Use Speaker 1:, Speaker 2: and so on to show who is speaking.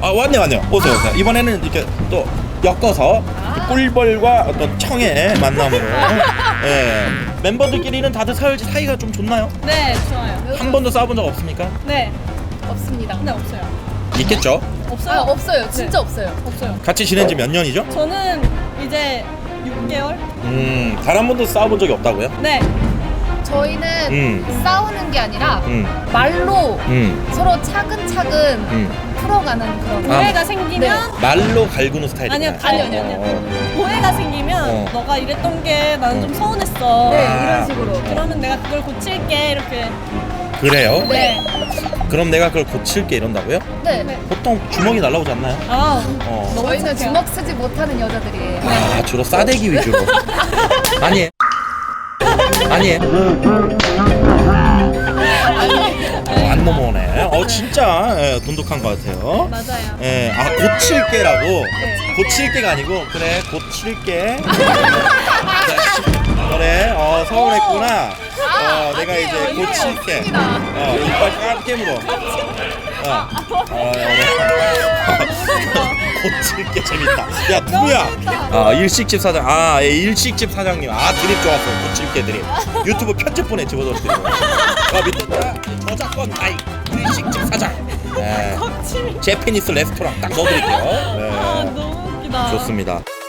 Speaker 1: 아 왔네요. 오세요. 이번에는 이렇게 또 엮어서 꿀벌과 어떤 청의 만남으로. 예. 멤버들끼리는 다들 사이가 좀 좋나요?
Speaker 2: 네, 좋아요.
Speaker 1: 한 번도 싸워본 적 없습니까?
Speaker 2: 네,
Speaker 3: 없습니다.
Speaker 2: 네 없어요.
Speaker 1: 있겠죠.
Speaker 2: 없어요?
Speaker 3: 없어요. 진짜 없어요.
Speaker 2: 없어요.
Speaker 1: 같이 지낸 지 몇 년이죠?
Speaker 2: 저는 이제 6개월?
Speaker 1: 단 한 번도 싸워본 적이 없다고요?
Speaker 2: 네.
Speaker 3: 저희는 싸우는 게 아니라 말로 서로 차근차근 풀어가는 그런.
Speaker 2: 오해가 생기면
Speaker 1: 말로 갈구는 스타일이구나.
Speaker 3: 아니요.
Speaker 2: 오해가 생기면 너가 이랬던 게 나는 좀 서운했어.
Speaker 3: 네, 이런 식으로.
Speaker 2: 그러면 내가 그걸 고칠게 이렇게.
Speaker 1: 그래요?
Speaker 2: 네.
Speaker 1: 그럼 내가 그걸 고칠게 이런다고요?
Speaker 3: 네.
Speaker 1: 보통 주먹이 날라오지 않나요?
Speaker 2: 아,
Speaker 1: 어.
Speaker 3: 저희는 주먹 쓰지 못하는 여자들이에요.
Speaker 1: 아, 주로 싸대기 위주로. 아니에요. 안 넘어오네. 진짜 돈독한 것 같아요.
Speaker 2: 맞아요.
Speaker 1: 예, 고칠게라고. 고칠게가 아니고 그래 고칠게. 그래, 서운했구나. 내가 이제 고칠게. 이빨 까맣게 물어. 고칠게 재밌다. 야 누구야? 일식집 사장. 일식집 사장님. 드립 좋았어. 고칠게 드립. 유튜브 편집본에 집어넣어드리고. 밑에 저작권 가입. 일식집 사장. 제피니스 레스토랑 딱 넣어드릴게요.
Speaker 2: 너무 웃기다.
Speaker 1: 좋습니다.